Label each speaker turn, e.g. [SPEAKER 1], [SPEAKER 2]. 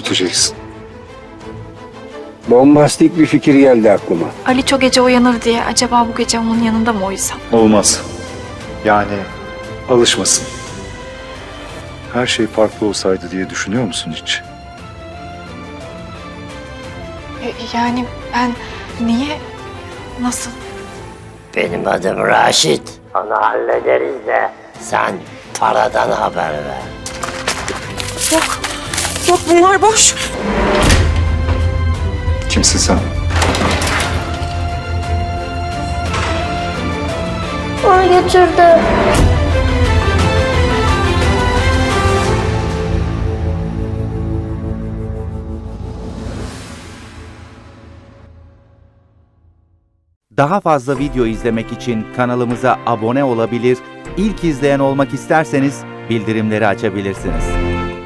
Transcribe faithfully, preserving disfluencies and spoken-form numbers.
[SPEAKER 1] unutacaksın.
[SPEAKER 2] Bombastik bir fikir geldi aklıma.
[SPEAKER 3] Ali çok gece uyanır diye acaba bu gece onun yanında mı uyusam?
[SPEAKER 1] Olmaz. Yani alışmasın. Her şey farklı olsaydı diye düşünüyor musun hiç?
[SPEAKER 3] E, Yani ben niye, nasıl?
[SPEAKER 4] Benim adım Raşit. Onu hallederiz de sen paradan haber ver.
[SPEAKER 3] Yok, yok bunlar boş.
[SPEAKER 1] Kimsin sen?
[SPEAKER 5] Onu götürdü.
[SPEAKER 6] Daha fazla video izlemek için kanalımıza abone olabilir, ilk izleyen olmak isterseniz bildirimleri açabilirsiniz.